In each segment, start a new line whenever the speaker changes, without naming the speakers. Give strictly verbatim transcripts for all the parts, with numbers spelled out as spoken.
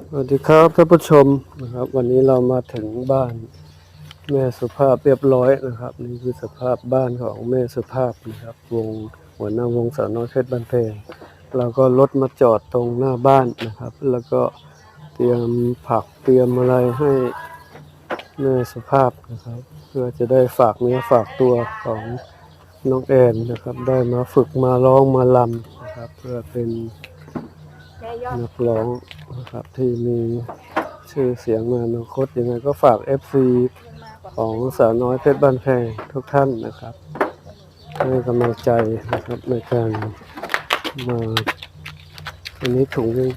สวัสดีครับท่านผู้ชมนะครับวันนี้เรามาถึงบ้านแม่สุภาพเรียบร้อยนะครับนี่คือสภาพบ้านของแม่สุภาพนะครับวงหัวหน้าวงสาวน้อยเพชรบ้านแพงเราก็รถมาจอดตรงหน้าบ้านนะครับแล้วก็เตรียมผักเตรียมอะไรให้แม่สุภาพนะครับเพื่อจะได้ฝากเนื้อฝากตัวของน้องแอนนะครับได้มาฝึกมาร้องมาลำนะครับเพื่อเป็นนักร้องนะครับที่มีชื่อเสียงมาอนาคตยังไงก็ฝาก เอฟ ซี ของสาวน้อยเพชรบ้านแพงทุกท่านนะครับให้กำลังใจนะครับในการมาอันนี้ถุงนึง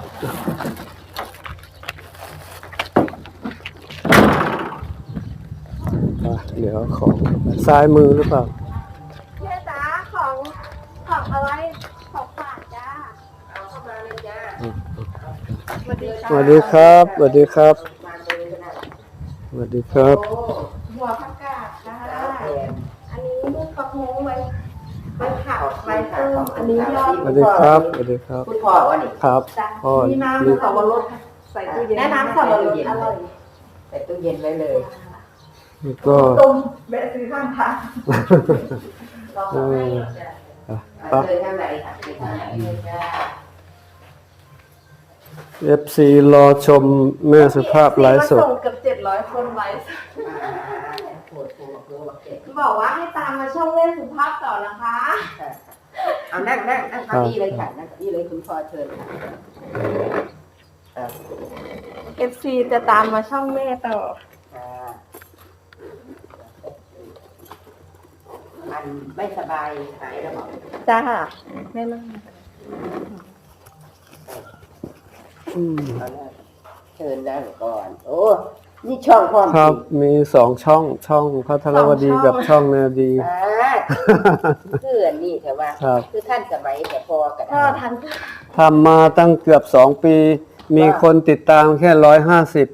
เดี๋ยวของซ้ายมือหรือเปล่า
แม่จ๋าของของอะไรของฝากจ้าเอาเข้ามาเลยจ้าสวัสดี
สวัสดีครับสวัสดีครับสวัสดีครับ
หัวผักกาดจ้าอันนี้ลูกกระโฮงไว้ไว้ผัดไว้เติมอันนี้ยอด
สวัสดีครับสวัสดีครับ
คุณพ่อวะนี่
ครับพ่อ
มีน้ำสับปะรดใส่ตู้เย็นแนะน้ำสับปะรดอร่อย
ใส่ตู้เย็นไว้เลย
แล้วก็
ต้มแบะซื้อข้างทาง
เออ
ปั๊บเลยข้างในค่ะข้างในเลยจ้า
เอฟ ซี รอชมแม่สุภาพไลฟ์สด
ส่งเกือบเจ็ดร้อยคนไลฟ์บอกว่าให้ตามมาช่องแม่สุภาพต่อนะคะ
เอานั่งนั่งนั่งเก้าอี้เลยค่ะนั่งเก้าอี้เลยคุณพ่อเชิญ
เอฟซีจะตามมาช่องแม่ต่อ
มันไม่สบายหายแล้วบอก
จ้าแม่นั่ง
เชิญนั่งก่อนโอ้นี่ช่องพ่อ
ครับมีสองช่องช่องพัทรวดีกับช่องนาดี
คืออันนี้แต่ว่าคือท่านสมัยแต่พอกัน
พ่อทัน
ทำมาตั้งเกือบสองปีมีคนติดตามแค่ร้อยห้าสิบ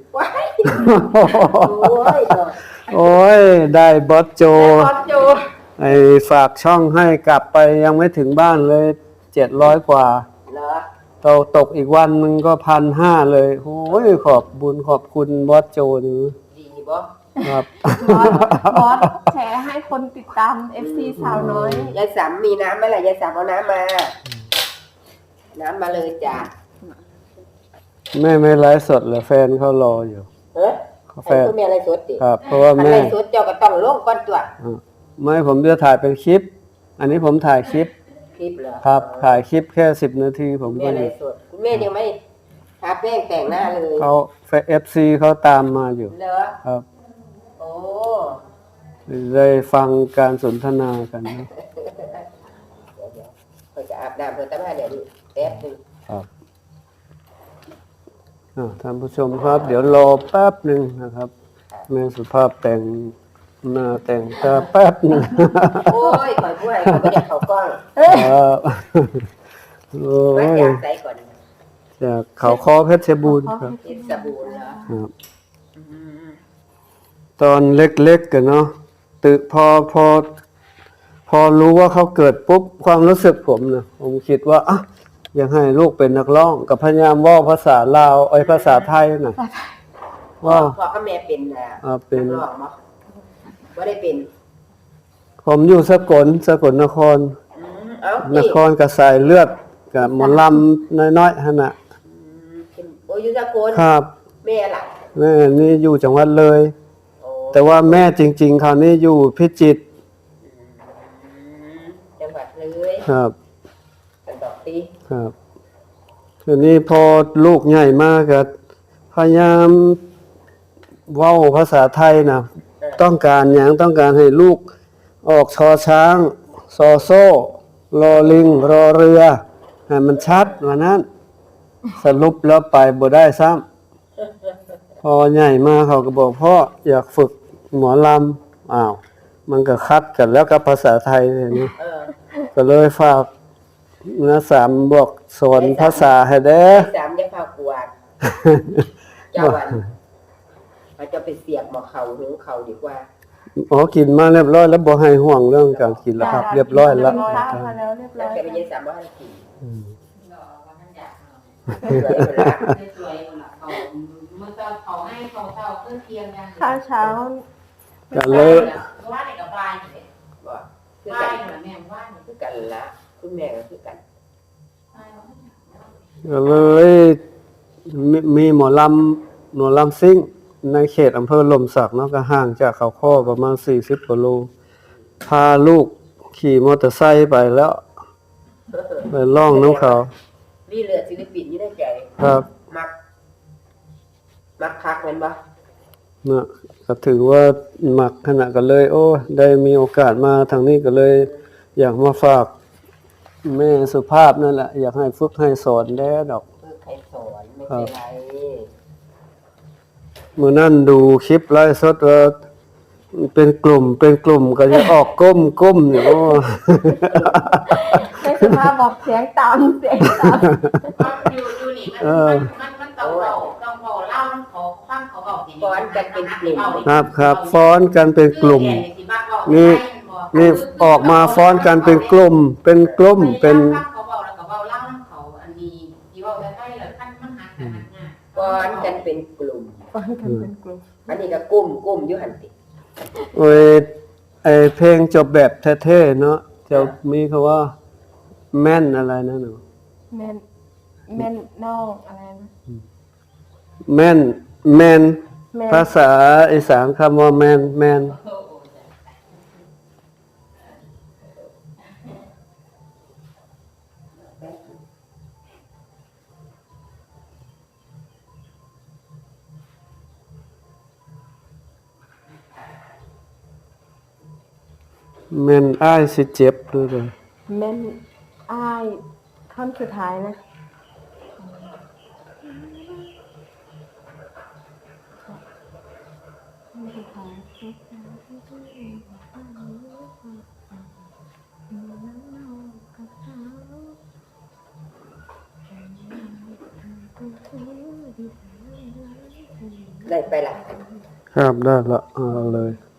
โอ้ยได้บอสโจไอฝากช่องให้กลับไปยังไม่ถึงบ้านเลยเจ็ดร้อยกว่าเราตกอีกวันนึงก็พันห้าเลยโอ้ยขอบบุญขอบคุณบอสโจนี่
ดีบ่
ครับ
บอสแชร์ให้คนติดตาม เอฟ ซี สาวน้อย
ยายสามมีน้ำไหมล่ะยายสามเอาน้ำมาน้ำมาเลยจ้ะ
แม่ไม่ไลฟ์สดเหรอแฟนเขารออยู่
เฮ้ยแฟนเขามีอะไรสดดิ
ครับเพราะว่าแม่
อะไรสดเจ้าก็ต้องลงก่อนตัว
ไม่ผมจะถ่ายเป็นคลิปอันนี้ผมถ่ายคลิป
คลิปเหรอ
ครับถ่ายคลิปแค่สิบนาทีผมก็
อยู่คุณแม่ยังไม่ทาแป้งแต่งหน้าเลย
เขาเอฟซีเขาตามมาอยู่
เหรอ
ครับ
โอ้
ได้ฟังการสนทนากันนะ
เขาจะอาบน้ำเพื่อตั้งแต่เดี๋ยวแป๊บนึง
ครับท่านผู้ชมครับเดี๋ยวรอแป๊บหนึ่งนะครับแม่สุภาพแต่งหน้าแต่งตาแป๊บนึง
โอ้ยคอยพูดให้เขาไม่อยากเขากล้อง
ครับโอ้ยจากเขาคอเพชรบูรณ์ครับ
เพชรบูรณ์เหรอครับ
ตอนเล็กๆกันเนาะตึกพอพอพอรู้ว่าเขาเกิดปุ๊บความรู้สึกผมนะผมคิดว่าอ่ะอยากให้ลูกเป็นนักร้องกับพยายามว่าภาษาลาวไอ้ภาษาไทยน่ะ
ว่าพ่อกับแม่เป็นอ่ะ
เป็น
ว่าได้เป็น
ผมอยู่สกลสกลนครนครกับสายเลือดกับหมอลำน้อยๆฮะน่ะ
โอ้ยอยู่สกล
ครับ
แม่ล่ะ
แม่นี่อยู่จังหวัดเลยแต่ว่าแม่จริงๆคราวนี้อยู่พิจิตร
จังหวัดเลย
ครับ
กันต่อตี
ครับทีนี้พอลูกใหญ่มากก็พยายามเว้าภาษาไทยนะต้องการอย่างต้องการให้ลูกออกชอช้างซอโซ่รอลิงรอเรือให้มันชัดว่านั้นสรุปแล้วไปบ่ได้ซ้ำพอใหญ่มาเขาก็บอกพ่ออยากฝึกหมอลำอ้าวมันก็คัดกันแล้วกับภาษาไทยอย่างนี้ก็เลยฝากนะสามบอกสอนภาษาให้เด้อ
สามจะพากวาดเจ้าวันเราจะไปเสียบหมอเขาหรือเขาดีกว่า
อ๋อกินมาเรียบร้อยแล้วบ่ให้ห่วงเรื่องการกินแล้วครับเรียบร้อยแล้ว
แล้วเรียบร้อย
แต่ไม่ใช่สามว่าให้กินข้าวเช้าเครื่องเคียงยัง
ข้าวเช้า
กันเลย
ว่าในกับบายนี่เลยบ่คือกันแม่ว่านี่คือกันละคุณแม่ก็คือกัน
ก็เลยมีมีหมอลำหมอลำซิ่งในเขตอำเภอลมสักเนาะก็ห่างจากเขาข้อประมาณสี่สิบกิโลพาลูกขี่มอเตอร์ไซค์ไปแล้วไปล่องน้ำเขา
มีเลือดศิลปินอยู่ในใจ
ครับ
มักมักคักแม่นบ่
นะก็ถือว่าหมักขนาดกันเลย โอ้ได้มีโอกาสมาทางนี้ก็เลย อยากมาฝากแม่สุภาพนั่นแหละอยากให้ฝึกให้สอนแด้ดอก
คือใครสอนไม่เป็นไร
เมื่อนั่นดูคลิปไลฟ์สดว่าเป็นกลุ่มเป็นกลุ่มก็จะออกก้มก้มเนี่ยโอ้
ไม่สุภาพบอกเสียงต่ำเสียงต่
อยู่อยู่นี่มันมันมันต้องเบาต้องเบาเล่าต้องขอฟังเขาเบาที
ฟ้อนกันเป็นกลุ่ม
ครับครับฟ้อนกันเป็นกลุ่ม นี่นี่ออกมาฟ้อนกันเป็นกลุ่ม เป็นกลุ่มเป็น
เขาเบาแล้วก็เบาเล่าน้ำเขาอันนี้ที่เบาได้ได้แล้วขั้นมันหักกันหักงา
ฟ้อนกันเป็นกลุ่ม
ำฟังกันเป็นกลุ่ม
อันนี้ก็กลุ่มกลุ่มอยู่หั่นติ
โอ้ยไอเพลงจบแบบเท่ๆเนาะจะมีคำว่า แม่นอะไรนะหนู
แม่นแม่นน้องอะไรนะ
แม่นแม่น
แม่น
ภาษาอีสานคำว่าแม่นแม่น แม่นอ้ายสิเจ็บด้วยเลย
แม่นอ้ายท่อนสุดท้ายนะท่อนสุดท้าย
ได้ไปล่ะ
ครับได้ละเอาเลย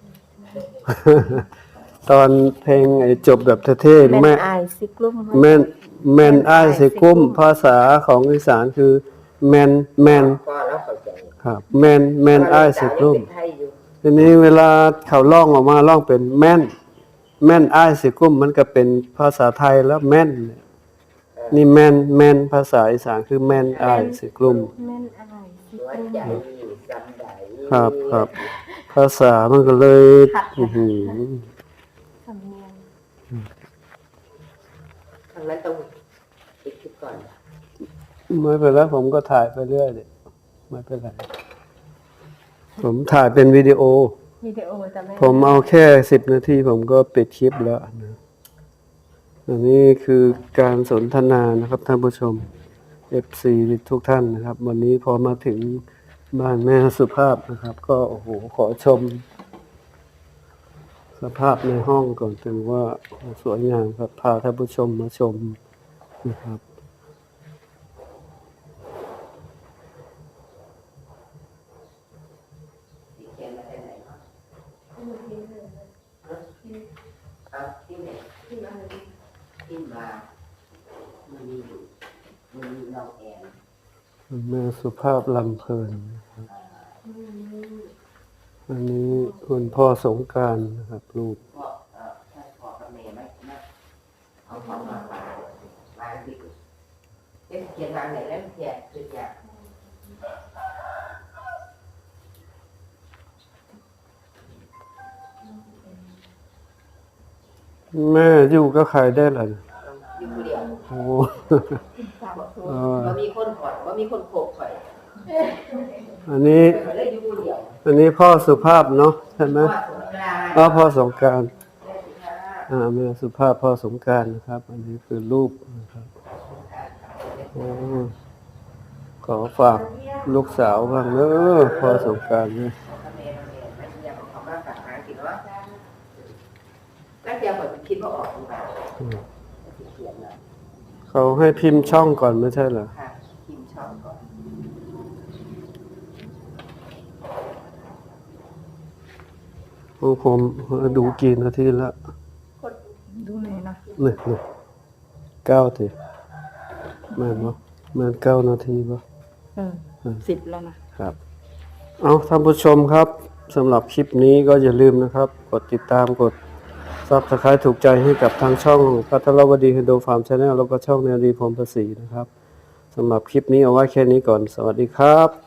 ตอนเพลงไอ้จบแบบเท่ๆ
แม่
แม่
นอายสิกลุ่ม
แม่นแม่นอ้ายสิกุ้มภาษาของอีสานคือ แม่นแม่น
ก็แล้วเข้าใจ
ครับ แม่นแม่นอ้ายสิกุ้ม
เป็นไทยอยู่
ทีนี้เวลาเขาร้องออกมาร้องเป็นแม่น แม่นอ้ายสิกุ้มมันก็เป็นภาษาไทยแล้วแม่น นี่แม่นแม่นภาษาอีสานคือแม่นอ้ายสิกุ้ม
แม่นอายสิ
หัว
กลุ่ม
ใจจำได้
ครับครับ ภาษามันก็เลย อื้อหือ
สำเนียง
ครั้งนั้นต้องติดคลิปก่อน
ไม่เป็นไรผมก็ถ่ายไปเรื่อยดิไม่เป็นไร ผมถ่ายเป็นวิดีโอ
วิดีโอจะไม่
ผมเอาแค่สิบนาทีผมก็ปิดคลิปแล้วนะอันนี้คือการสนทนานะครับท่านผู้ชม เอฟ ซี ทุกท่านนะครับ วันนี้พอมาถึงบ้านแม่สุภาพนะครับ ก็โอ้โหขอชม สภาพในห้องก่อนถึงว่าสวยงามครับพาท่านผู้ชมมาชมนะครับ
ติดเขียนมาได้ไหนเนาะเอาที่ไหนที่มามันมีอยู่มันมีน้องแอน
แม่สุภาพลำเพลินนะครับอันนี้คุณพ่อสงกรานต์นะครับลูก
พ่อเอ่อถ้าพ่อกับแม่ไหมนะเอาของมาฝากวางที่เอ๊ะเขียนวางไหนแล้วเขียนคืออยาก
แม่อยู่ก็ขายได้เหรอ
อยู่ผู้เดียว
โอ้ เออ
ว่ามีคนข่อยว่ามีคนโขกข่อย
อันนี้
ข่อยเลยอยู่ผู้เดียว
อันนี้พ่อสุภาพเนาะใช่ไหม
ว่าสงกรานต์
อ๋อพ่อสงกราร
แม่สิคะ
อ่าแม่สุภาพพ่อสงกรารนะครับ อันนี้คือรูปนะครับโอ้ขอฝากลูกสาวบ้างเนอะพ่อสงกรารเนี่ย
พ่อกับแม่แม่แม่เสียของเขามาฝากหากินเนาะแล้วเดี๋ยวข่อยคิดว่าออกหรือเปล่า
อืม
เขียนนะ
เขาให้พิมพ์ช่องก่อนไม่ใช่เหรอ
ค่ะพิมพ์ช่องก่อน
โอ้ผมดูกี่นาทีละ
ดูไหนนะ
เนี่ยเนี่ยเก้าทีแม่นปะแม่นเก้านาทีปะ
เออสิบแล้วนะครับ
เอาท่านผู้ชมครับสำหรับคลิปนี้ก็อย่าลืมนะครับกดติดตามกด Subscribe ถูกใจให้กับทางช่องพัทรวดีไฮโดรฟาร์มชาแนลแล้วก็ช่องแนวดีพรหมประสีนะครับสำหรับคลิปนี้เอาไว้แค่นี้ก่อนสวัสดีครับ